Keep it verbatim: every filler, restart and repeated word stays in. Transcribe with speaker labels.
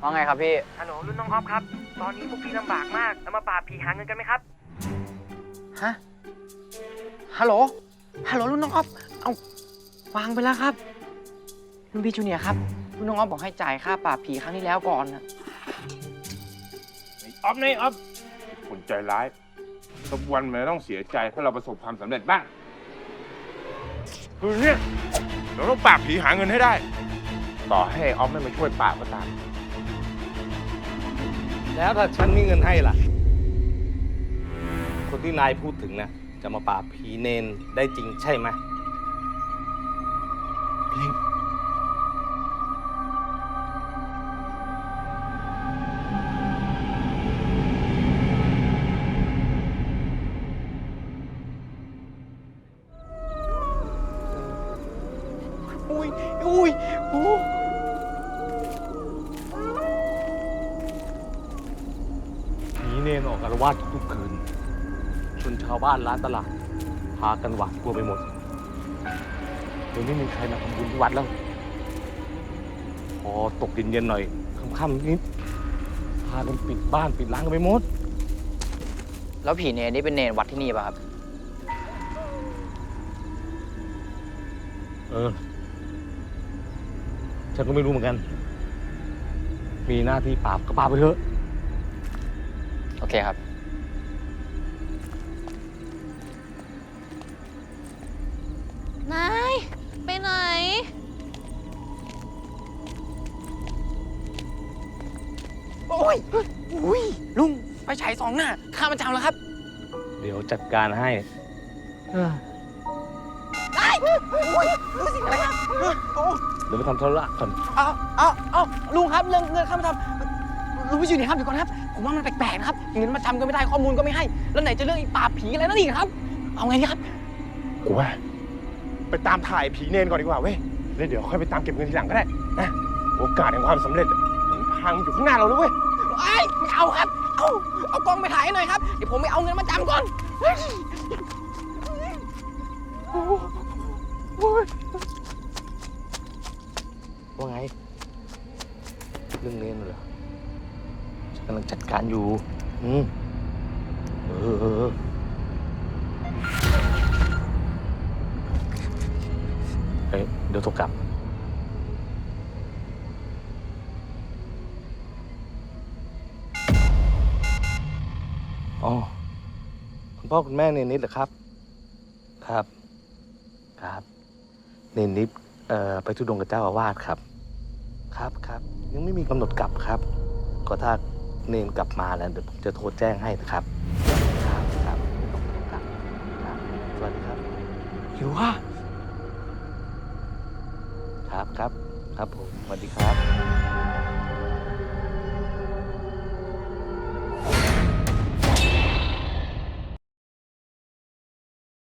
Speaker 1: ว่าไงครับพี่
Speaker 2: ฮัลโหลรุ่นน้องออฟครับ ตอนนี้พวกพี่ลำบากมากแล้วมาปราบผีหาเงินกันไหมครับ
Speaker 1: ฮะฮัลโหลฮัลโหลรุ่นน้องออฟเอาวางไปแล้วครับรุ่นพี่จูเนียร์ครับรุ่นน้องออฟบอกให้จ่ายค่าปราบผีครั้งที่แล้วก่อนนะ
Speaker 3: ออฟนี่ออฟคนใจร้ายสักวันมันต้องเสียใจถ้าเราประสบความสำเร็จบ้างคือเนี่ยเราต้องปราบผีหาเงินให้ได้ ต่อให้ออฟไม่มาช่วยปราบก็ตาม
Speaker 4: แล้วถ้าฉันมีเงินให้ล่ะคนที่นายพูดถึงนะจะมาปราบผีเนนได้จริงใช่ไหม
Speaker 1: อุ้ยอุ้ยโอ้
Speaker 4: ผีเนนออกอารวาสทุกคืนจนชาวบ้านร้านตลาดพากันหวาดกลัวไปหมดเดี๋ยวไม่มีใครมาทำบุญที่วัดแล้วพอตกเย็นๆหน่อยค่ำๆนิดพากันปิดบ้านปิดร้านกันไปหมด
Speaker 1: แล้วผีเนรนี่เป็นเนรวัดที่นี่ป่ะครับ
Speaker 4: เออฉันก็ไม่รู้เหมือนกันมีหน้าที่ปราบก็ปราบไปเถอะ
Speaker 1: โอเคครับ
Speaker 5: นายไปไหน
Speaker 1: โอ้ยอุ้ยลุงไปฉายสองหน้าข้ามันจำแล้วครับ
Speaker 4: เดี๋ยวจัดการให้
Speaker 1: ได้โอ้ยรู้สิอะไรครับโอ้
Speaker 4: เดี๋ยวไปทำธุระก่อน
Speaker 1: เอาเอาเอาลุงครับเรื่องเงินข้ามาทำลุงพี่อยู่ไหนครับเดี๋ยวก่อนครับผมว่ามันแปลกๆนะครับเงินมาจำก็ไม่ได้ข้อมูลก็ไม่ให้แล้วไหนจะเรื่องอีปราบผีอะไรนั่นอีกครับเอาไงดีครับ
Speaker 3: กูว่าไปตามถ่ายผีเนนก่อนดีกว่าเว้ยแล้วเดี๋ยวค่อยไปตามเก็บเงินทีหลังก็ได้นะโอกาสแห่งความสำเร็จหนทางมันอยู่ข้างหน้าเราแล้วเว้ย
Speaker 1: ไอ้ไม่เอาครับเอาเอากล้องไปถ่ายให้หน่อยครับเดี๋ยวผมไปเอาเงินมาจำก่อน
Speaker 4: ว่าไงเรื่องเนนเหรอฉันกำลังจัดการอยู่อืมเออเออเฮ้ยเดี๋ยวโทรกลับอ๋อคุณพ่อคุณแม่เนนิดเหรอครับครับครับเนนิดเอ่อไปทุดงกับเจ้าอาวาสครับครับครับยังไม่มีกำหนดกลับครับก็ถ้าเนนกลับมาแล้วเดี๋ยวผมจะโทรแจ้งให้นะครับครับครับไม่ต้องกลับครับสวัสดีครับหิวอ่ะครับครับครับผมสวัสดีครับ